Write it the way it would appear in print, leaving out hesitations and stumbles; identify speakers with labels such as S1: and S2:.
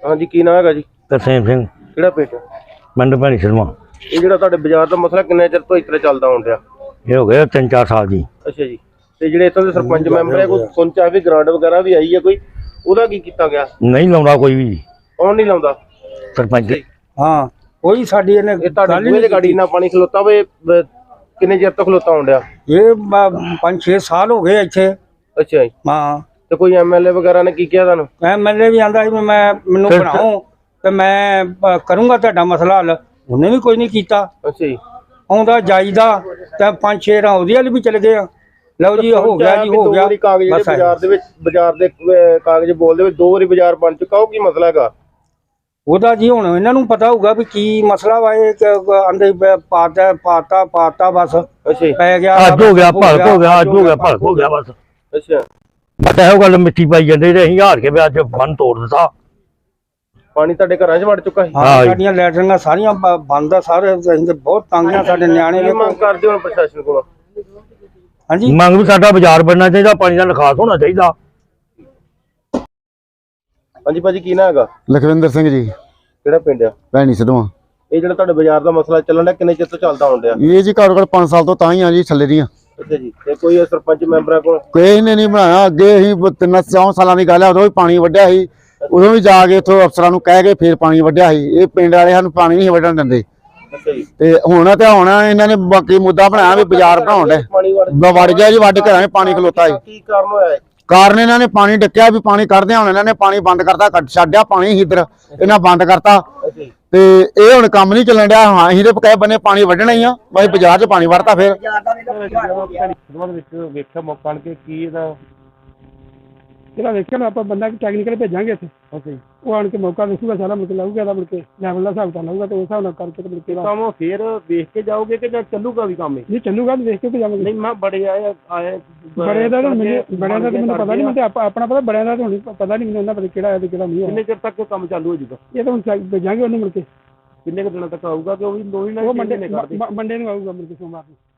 S1: हाँ जी, की नाम है जी?
S2: तरसेम सिंह
S1: किहड़ा पिंड?
S2: पिंड भैणी सिलमा।
S1: ये जिहड़ा तुहाडे बाजार दा मसला किन्ने चिर तो इस तरह चलदा आउण डिया?
S2: ये हो गए 3-4 साल जी।
S1: अच्छा जी। ते जिहड़े इत्थों दे सरपंच मैंबर है, कोई सुनचा भी ग्रांट वगैरह भी आई है कोई, ਉਹਦਾ ਕੀ ਕੀਤਾ ਗਿਆ?
S2: नहीं लाउंदा कोई भी
S1: ਕੌਣ ਨਹੀਂ ਲਾਉਂਦਾ?
S2: सरपंच।
S3: हाँ कोई साडी ने
S1: ਇਹ ਤੁਹਾਡੇ ਬੂਹੇ ਦੇ ਗਾੜੀ ਨਾਲ ਪਾਣੀ ਖਲੋਤਾ ਵੇ ਕਿੰਨੇ ਚਿਰ ਤੋਂ ਖਲੋਤਾ ਆਉਣ ਡਿਆ?
S3: ये 5-6 साल हो गए इत्थे।
S1: ਅੱਛਾ ਜੀ।
S3: हाँ
S1: ਤੇ ਕੋਈ ਐਮਐਲਏ ਵਗੈਰਾ ਨੇ ਕੀ ਕਿਹਾ ਤੁਹਾਨੂੰ?
S3: एमएलए भी आंदा मैं मैनू बनाओ ते मैं करूँगा तुहाडा मसला हल, उन्हें भी कोई नहीं कीता।
S1: ਅੱਛਾ ਜੀ।
S3: आउंदा जाईदा ते 5-6 रां ਉਹਦੇ ਵੱਲ भी चले गए। ਲਓ ਜੀ ਹੋ ਗਿਆ ਜੀ, ਹੋ ਗਿਆ
S1: ਕਾਗਜ਼ ਜਿਹੜੇ ਬਾਜ਼ਾਰ ਦੇ ਵਿੱਚ ਬਾਜ਼ਾਰ ਦੇ ਕਾਗਜ਼ ਬੋਲਦੇ ਵਿੱਚ 2 ਵਾਰੀ ਬਾਜ਼ਾਰ ਬਣ ਚੁੱਕਾ, ਉਹ ਕੀ ਮਸਲਾ ਹੈਗਾ?
S3: ਉਹਦਾ ਜੀ ਹੁਣ ਇਹਨਾਂ ਨੂੰ ਪਤਾ ਹੋਊਗਾ ਵੀ ਕੀ ਮਸਲਾ ਵਾ। ਇਹ ਆਂਦੇ ਪਾਤਾ ਬਸ
S1: ਅੱਛਾ ਜੀ।
S3: ਪੈ ਗਿਆ,
S2: ਅੱਜ ਹੋ ਗਿਆ ਭਲਕ ਹੋ ਗਿਆ, ਅੱਜ ਹੋ ਗਿਆ ਭਲਕ ਹੋ ਗਿਆ ਬਸ।
S1: ਅੱਛਾ।
S2: ਬਸ ਇਹੋ ਗੱਲ ਮਿੱਟੀ ਪਾਈ ਜਾਂਦੇ ਤੇ ਅਸੀਂ ਹਾਰ ਕੇ ਵੀ ਅੱਜ ਬੰਨ ਤੋੜ ਦਿੱਤਾ।
S1: ਪਾਣੀ ਤੁਹਾਡੇ ਘਰਾਂ 'ਚ ਵੜ ਚੁੱਕਾ ਹੈ?
S3: ਹਾਂ ਸਾਡੀਆਂ ਲੈਟਰਿੰਗਾਂ ਸਾਰੀਆਂ ਬੰਦ ਆ ਸਾਰੇ। ਅਸੀਂ ਤੇ ਬਹੁਤ ਤੰਗ ਆ, ਸਾਡੇ ਨਿਆਣੇ
S1: ਕੀ ਮੰਗ ਕਰਦੇ ਹੋ ਪ੍ਰਸ਼ਾਸਨ ਕੋਲੋਂ?
S3: ਹਾਂਜੀ
S2: ਮੰਗ ਵੀ ਸਾਡਾ ਬਾਜ਼ਾਰ ਬਣਨਾ ਚਾਹੀਦਾ, ਪਾਣੀ ਦਾ ਨਿਕਾਸ ਹੋਣਾ ਚਾਹੀਦਾ।
S1: ਹਾਂਜੀ ਭਾਜੀ, ਕੀ ਨਾ ਹੈਗਾ?
S4: ਲਖਵਿੰਦਰ ਸਿੰਘ ਜੀ,
S1: ਕਿਹੜਾ ਪਿੰਡ ਆ?
S4: ਭੈਣੀ ਸਿੱਧਵਾਂ।
S1: ਇਹ ਜਿਹੜਾ ਤੁਹਾਡੇ ਬਾਜ਼ਾਰ ਦਾ ਮਸਲਾ ਚੱਲਣ ਡਿਆ, ਕਿੰਨੇ ਚਿਰ ਤੋਂ ਚੱਲਦਾ ਆਉਣ ਡਿਆ?
S4: ਇਹ ਜੀ ਘੱਟੋ ਘੱਟ 5 ਸਾਲ ਤੋਂ ਤਾਂ ਹੀ ਆ ਜੀ ਥੱਲੇ ਦੀਆਂ।
S1: ਅੱਛਾ ਜੀ। ਤੇ ਕੋਈ ਸਰਪੰਚ ਮੈਂਬਰਾਂ ਕੋਲ?
S4: ਕਿਸੇ ਨੇ ਨਹੀਂ ਬਣਾਇਆ। ਅੱਗੇ ਅਸੀਂ 3-4 ਸਾਲਾਂ ਦੀ ਗੱਲ ਹੈ, ਉਦੋਂ ਵੀ ਪਾਣੀ ਵੱਢਿਆ ਸੀ। ਉਦੋਂ ਵੀ ਜਾ ਕੇ ਇੱਥੋਂ ਅਫਸਰਾਂ ਨੂੰ ਕਹਿ ਕੇ ਫੇਰ ਪਾਣੀ ਵੱਢਿਆ ਸੀ। ਇਹ ਪਿੰਡ ਵਾਲੇ ਸਾਨੂੰ ਪਾਣੀ ਨਹੀਂ ਵੱਢਣ ਦਿੰਦੇ।
S1: ਅੱਛਾ ਜੀ।
S4: ਤੇ ਹੁਣ ਇਹਨਾਂ ਨੇ ਬਾਕੀ ਮੁੱਦਾ ਬਣਾਇਆ ਵੀ ਬਾਜ਼ਾਰ ਬਣਾਉਣ ਦੇ
S1: ਪਾਣੀ
S4: ਵੜ ਗਿਆ ਜੀ, ਵੱਢ ਘਰਾਂ 'ਚ ਪਾਣੀ ਖਲੋਤਾ ਸੀ।
S1: ਕੀ ਕਾਰਨ ਹੋਇਆ ਹੈ?
S4: ਕਾਰਨ ਇਹਨਾਂ ਨੇ ਪਾਣੀ ਡੱਕਿਆ ਵੀ ਪਾਣੀ ਕੱਢਦੇ, ਹੁਣ ਇਹਨਾਂ ਨੇ ਪਾਣੀ ਬੰਦ ਕਰਤਾ, ਛੱਡਿਆ ਪਾਣੀ ਇੱਧਰ ਇਹਨਾਂ ਬੰਦ ਕਰਤਾ।
S1: ਅੱਛਾ ਜੀ।
S4: ਤੇ ਇਹ ਹੁਣ ਕੰਮ ਨਹੀਂ ਚੱਲਣ ਡਿਆ। ਹਾਂ ਅਸੀਂ ਤੇ ਕਹੇ ਬੰਨੇ ਪਾਣੀ ਵੱਢਣਾ ਹੀ ਆ, ਬਈ ਬਾਜ਼ਾਰ 'ਚ ਪਾਣੀ ਵੜਤਾ ਫੇਰ।
S1: ਵੇਖਿਆ ਮੌਕਾ ਆਣ ਕੇ ਕੀ ਇਹਦਾ
S5: ਜਿਹੜਾ ਵੇਖਿਆ ਨਾ ਆਪਾਂ ਬੰਦਾ ਟੈਕਨੀਕਲ ਭੇਜਾਂਗੇ ਇੱਥੇ।
S1: ਅੱਛਾ ਜੀ।
S5: ਉਹ ਆਣ ਕੇ ਮੌਕਾ ਦੇਖੂਗਾ, ਸਾਰਾ ਮੁੜ ਕੇ ਲਾਊਗਾ, ਇਹਦਾ ਮੁੜ ਕੇ ਲੈਵਲ ਦਾ ਹਿਸਾਬ ਤਾਂ ਲਾਊਗਾ ਤੇ ਉਸ ਹਿਸਾਬ ਨਾਲ ਕਰਕੇ ਤੇ ਮੁੜ ਕੇ
S1: ਕੰਮ ਫੇਰ ਵੇਖ ਕੇ ਜਾਓਗੇ ਕਿ ਜਾਂ ਚੱਲੂਗਾ ਵੀ ਕੰਮ?
S5: ਨਹੀਂ ਚੱਲੂਗਾ, ਵੇਖ ਕੇ ਜਾਵਾਂਗੇ।
S1: ਨਹੀਂ ਮੈਂ ਬੜੇ ਆਏ
S5: ਬੜਿਆਂ ਦਾ ਤਾਂ ਮੈਨੂੰ ਪਤਾ ਨਹੀਂ, ਮੈਨੂੰ ਆਪਣਾ ਪਤਾ, ਬੜਿਆਂ ਦਾ ਤਾਂ ਹੁਣ ਪਤਾ ਨਹੀਂ ਮੈਨੂੰ ਉਹਨਾਂ ਪਤਾ ਕਿਹੜਾ ਹੈ ਤੇ ਕਿਹੜਾ ਨਹੀਂ ਹੈ।
S1: ਕਿੰਨੇ ਚਿਰ ਤੱਕ ਕੰਮ ਚਾਲੂ ਹੋ ਜੂਗਾ?
S5: ਇਹ ਤਾਂ ਹੁਣ ਭੇਜਾਂਗੇ ਉਹਨੂੰ ਮੁੜ ਕੇ।
S1: ਕਿੰਨੇ ਕੁ ਦਿਨਾਂ ਤੱਕ ਆਊਗਾ ਕਿ ਉਹ ਵੀ 2 ਮਹੀਨੇ
S5: ਮੰਡੇ ਨੂੰ ਆਊਗਾ ਮੁੜ ਕੇ ਸੋਮਵਾਰ ਨੂੰ।